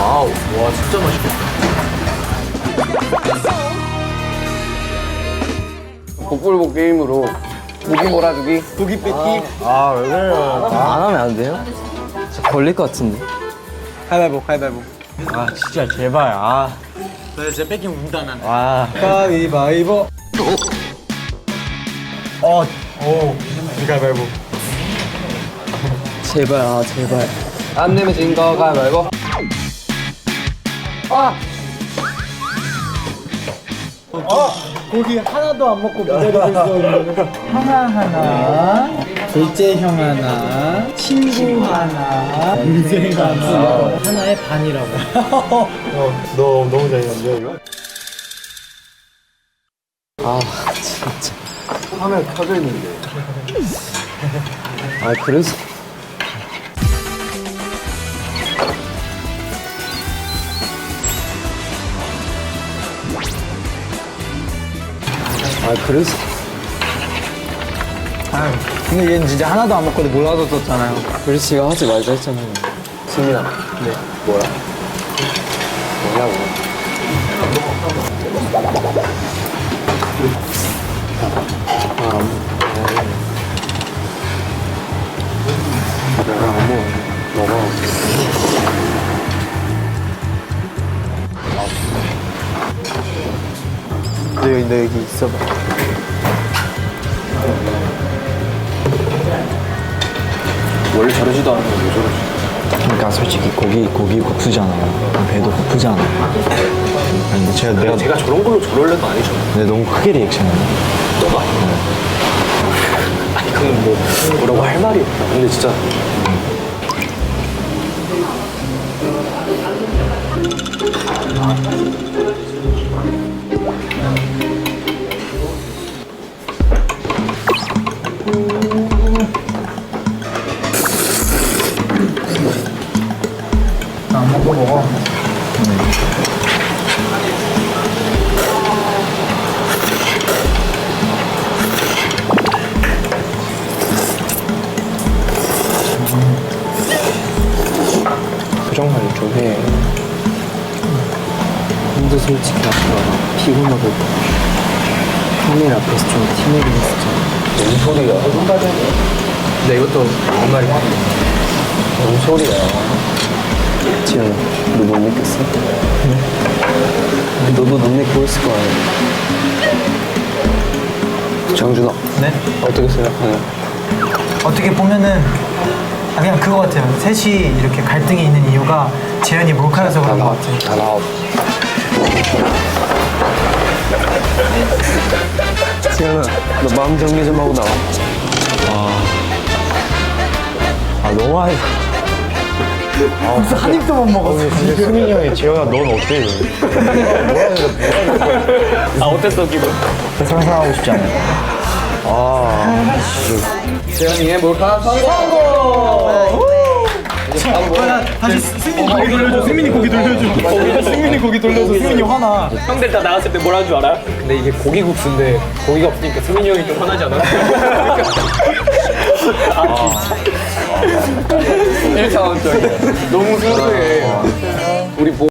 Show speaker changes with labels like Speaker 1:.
Speaker 1: 와우, 와 진짜 맛있겠다. 복불복 게임으로 고기 몰아주기. 고기 뺏기.
Speaker 2: 왜 그래요?
Speaker 3: 안 하면 안 돼요? 저 걸릴 것 같은데.
Speaker 1: 가위바위보, 가위바위보.
Speaker 2: 진짜 제발.
Speaker 1: 나 진짜 뺏기면 운다 난.
Speaker 2: 가위바위보. 가위바위보.
Speaker 3: 제발, 제발. 안 내면 진 거 가위바위보.
Speaker 2: 고기 하나도 안 먹고 기다리고 있었는데. 형아 하나, 둘째 형 하나, 친구 하나, 인생 하나. 하나의 반이라고. 너 너무 잘했는데 이거?
Speaker 3: 진짜.
Speaker 1: 화면 켜져 있는데.
Speaker 3: 그래서. 그래서.
Speaker 2: 근데 얘는 진짜 하나도 안 먹고 몰라줬었잖아요.
Speaker 3: 그래서 제가 하지 말자 했잖아요.
Speaker 1: 승민아. 네. 뭐야? 뭐냐고. 내가 안 먹어. 너가.
Speaker 2: 너 여기 있어봐.
Speaker 1: 원래 저러지도 않는데 왜 저러지?
Speaker 4: 그러니까 솔직히 고기 고프잖아요. 배도 고프잖아요. 아니
Speaker 1: 제가 저런 걸로 저럴 애도 아니잖아.
Speaker 4: 근데 너무 크게 리액션했네.
Speaker 1: 너가 아니야. 아니 그건 뭐라고 할 말이 없다. 근데 진짜
Speaker 2: 안 먹고 먹어.
Speaker 3: 표정 관리 좀 해. 근데 솔직히 아까 피곤하고 형님 앞에서 좀 티내긴 했었잖아.
Speaker 1: 뭔 소리야? 근데 이것도 정말이 뭔 소리야?
Speaker 3: 지현아, 너 못 느꼈어? 너도 못 느끼고 있을 거 아니야.
Speaker 1: 장준아,
Speaker 2: 네?
Speaker 1: 어떻게 생각하냐?
Speaker 2: 어떻게 보면은 그냥 그거 같아요. 셋이 이렇게 갈등이 있는 이유가 재현이 몰카여서 그런 것 같아요.
Speaker 1: 다 나와.
Speaker 3: 지현아, 너 마음 정리 좀 하고 나와.
Speaker 4: 너무
Speaker 2: 한 입도 못 먹었어.
Speaker 4: 근데 수민이 형이 재현아 넌 어때?
Speaker 1: 어땠어 기분?
Speaker 4: 상상하고 싶지 않아요.
Speaker 1: 재현이의 몰카 성공!
Speaker 2: 다시 승민이 고기 돌려줘. 승민이 고기 돌려줘. 승민이 고기 돌려줘. 승민이 화나.
Speaker 1: 형들 다 나갔을 때 뭐라는 줄 알아? 근데 이게 고기국수인데 고기가 없으니까 승민이 형이 좀 화나지 않아? 진짜. 1차원적이야. 너무 순수해. 우리